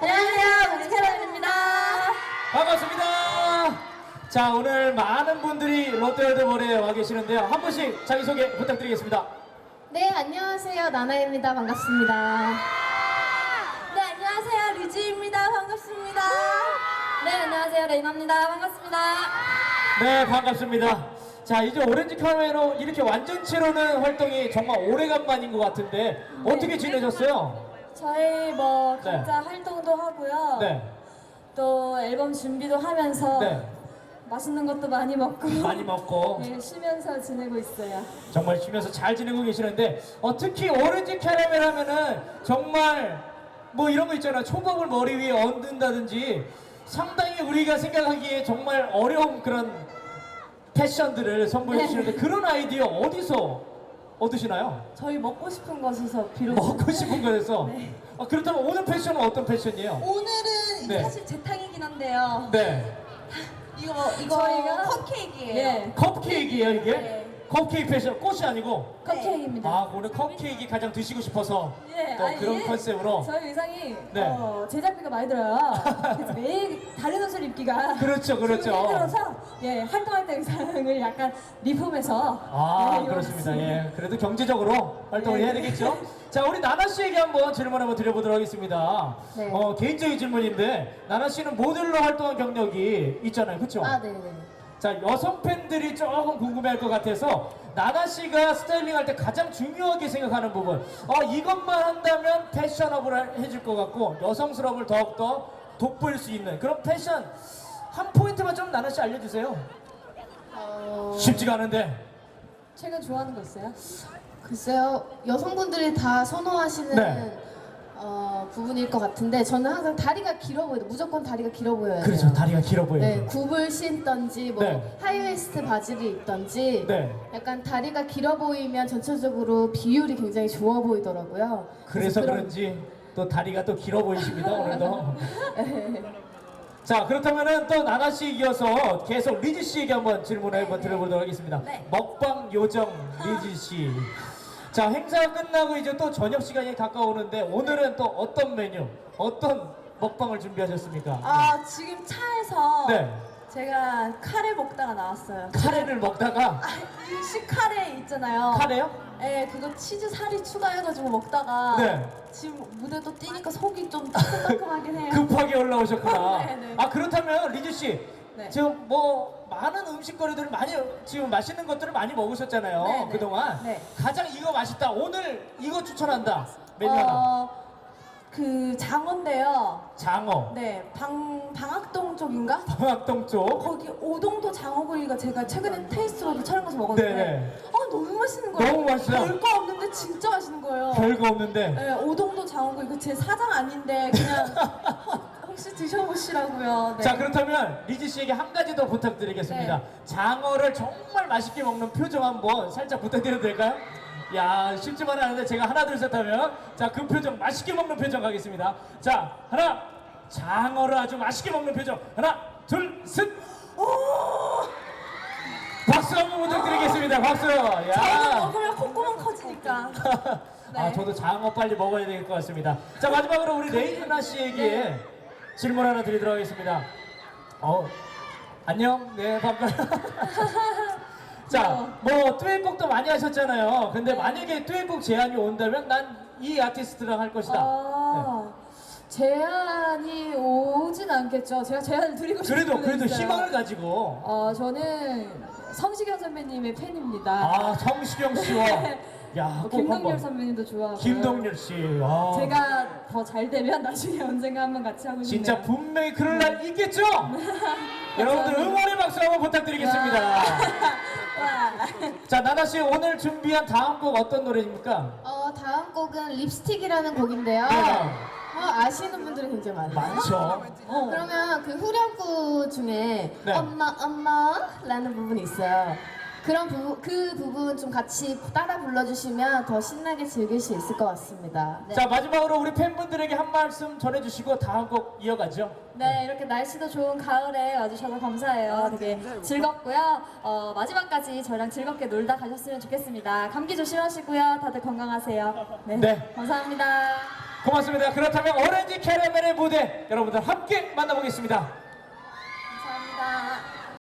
안녕하세요, 뮤지컬입니다. 반갑습니다. 자, 오늘 많은 분들이 롯데월드몰에 와 계시는데요. 한 분씩 자기소개 부탁드리겠습니다. 네, 안녕하세요, 나나입니다. 반갑습니다. 네, 안녕하세요. 류지입니다. 반갑습니다. 네, 안녕하세요. 레이나입니다. 반갑습니다. 네, 반갑습니다. 자, 이제 오렌지 카메로 이렇게 완전체로는 활동이 정말 오래간만인 것 같은데 어떻게 지내셨어요? 저희 뭐 네. 각자 활동도 하고요. 네, 또 앨범 준비도 하면서 네, 맛있는 것도 많이 먹고 많이 먹고 네, 쉬면서 지내고 있어요. 정말 쉬면서 잘 지내고 계시는데 특히 오렌지 캐러멜 하면은 정말 뭐 이런 거 있잖아. 초밥을 머리 위에 얹는다든지 상당히 우리가 생각하기에 정말 어려운 그런 패션들을 선보여 주시는데 그런 아이디어 어디서 얻으시나요? 저희 먹고 싶은 것에서 비롯 먹고 싶은 거에서 네. 그렇다면 오늘 패션은 어떤 패션이에요? 오늘은 네. 사실 제 탕이긴 한데요. 네, 이거 저희가 컵케이크예요. 네. 컵케이크예요 이게? 네. 컵케이크 패션, 꽃이 아니고? 컵케이크입니다. 아, 오늘 컵케이크 가장 드시고 싶어서 예, 또 아니, 그런 예. 컨셉으로. 저희 의상이 네. 제작비가 많이 들어요. 그래서 매일 다른 옷을 입기가 그렇죠, 그렇죠. 좀 힘들어서 예, 활동할 때 의상을 약간 리폼해서 네, 그렇습니다. 입었습니다. 예, 그래도 경제적으로 활동을 네. 해야 되겠죠? 자, 우리 나나 씨에게 한번 질문 한번 드려보도록 하겠습니다. 네. 개인적인 질문인데, 나나 씨는 모델로 활동한 경력이 있잖아요, 그렇죠? 아, 네네. 자, 여성 팬들이 조금 궁금해할 것 같아서 나나 씨가 스타일링 할 때 가장 중요하게 생각하는 부분, 이것만 한다면 패셔너블 해줄 것 같고 여성스러움을 더욱더 돋보일 수 있는 그런 패션 한 포인트만 좀 나나 씨 알려주세요. 쉽지가 않은데. 최근 좋아하는 거 있어요? 글쎄요, 여성분들이 다 선호하시는 네. 부분일 것 같은데 저는 항상 다리가 길어 보여요. 무조건 다리가 길어 보여야 돼요. 그렇죠, 다리가 길어 보여요. 네, 굽을 신던지 뭐 네. 하이웨스트 바지를 입던지 네. 약간 다리가 길어 보이면 전체적으로 비율이 굉장히 좋아 보이더라고요. 그래서 그런- 그런지 또 다리가 또 길어 보이십니다 오늘도. 자, 그렇다면은 또 나나 씨 이어서 계속 리지 씨에게 한번 질문을 한번 드려보도록 하겠습니다. 네. 먹방 요정 리지 씨. 자, 행사 끝나고 이제 또 저녁 시간이 가까우는데 오늘은 또 어떤 메뉴, 어떤 먹방을 준비하셨습니까? 지금 차에서 네. 제가 카레 먹다가 나왔어요. 카레를 먹다가 일식 카레 있잖아요. 카레요? 네, 그거 치즈 살이 추가해가지고 먹다가 네. 지금 무대도 뛰니까 속이 좀 따끔따끔하긴 해요. 급하게 올라오셨구나. 네, 네. 그렇다면 리지 씨, 네. 지금 뭐 많은 음식거리들을 많이 지금 맛있는 것들을 많이 먹으셨잖아요. 네, 네. 그동안 네. 가장 이거 맛있다. 오늘 이거 추천한다. 메뉴 하나. 그 장어인데요. 장어. 네, 방학동 쪽인가? 방학동 쪽. 거기 오동도 장어구이가 제가 최근에 테이스트로도 촬영 가서 먹었는데 네네. 너무 맛있는 거예요. 너무 맛있어요? 별거 없는데 진짜 맛있는 거예요. 별거 없는데. 네, 오동도 장어구이 그 제 사장 아닌데 그냥 혹시 드셔보시라고요. 네. 자, 그렇다면 리지 씨에게 한 가지 더 부탁드리겠습니다. 네. 장어를 정말 맛있게 먹는 표정 한번 살짝 부탁드려도 될까요? 야, 쉽지만은 않은데 제가 하나 둘 셋 하면 자, 그 표정 맛있게 먹는 표정 가겠습니다. 자, 하나, 장어를 아주 맛있게 먹는 표정. 하나, 둘, 셋. 오! 박수 한번 부탁드리겠습니다. 박수. 저도 야. 먹으면 콧구멍 커지니까. 네. 저도 장어 빨리 먹어야 될 것 같습니다. 자, 마지막으로 우리 레이나 씨에게 질문 하나 드리도록 하겠습니다. 안녕. 네, 반가워요. 자, 뭐 듀엣곡도 많이 하셨잖아요. 근데 만약에 듀엣곡 제안이 온다면 난 이 아티스트랑 할 것이다. 제안이 오진 않겠죠. 제가 제안을 드리고 싶은 그래도 분은 있어요. 희망을 가지고. 저는 성시경 선배님의 팬입니다. 성시경 씨와 꼭 김동률 한번. 선배님도 좋아하고. 김동률 씨. 와. 제가 더 잘 되면 나중에 언젠가 한번 같이 하고 싶네요. 진짜 분명히 그럴 날 있겠죠? 여러분들 응원의 박수 한번 부탁드리겠습니다. 와. 자, 나나 씨 오늘 준비한 다음 곡 어떤 노래입니까? 다음 곡은 립스틱이라는 곡인데요. 네. 아시는 분들이 굉장히 많아요. 많죠. 그러면 그 후렴구 중에 네. 엄마 엄마라는 부분이 있어요. 그 부분 좀 같이 따라 불러주시면 더 신나게 즐길 수 있을 것 같습니다. 네. 자, 마지막으로 우리 팬분들에게 한 말씀 전해주시고 다음 곡 이어가죠. 네, 이렇게 날씨도 좋은 가을에 와주셔서 감사해요. 되게 즐겁고요. 마지막까지 저희랑 즐겁게 놀다 가셨으면 좋겠습니다. 감기 조심하시고요. 다들 건강하세요. 네. 감사합니다. 고맙습니다. 그렇다면 오렌지 캐러멜의 무대 여러분들 함께 만나보겠습니다.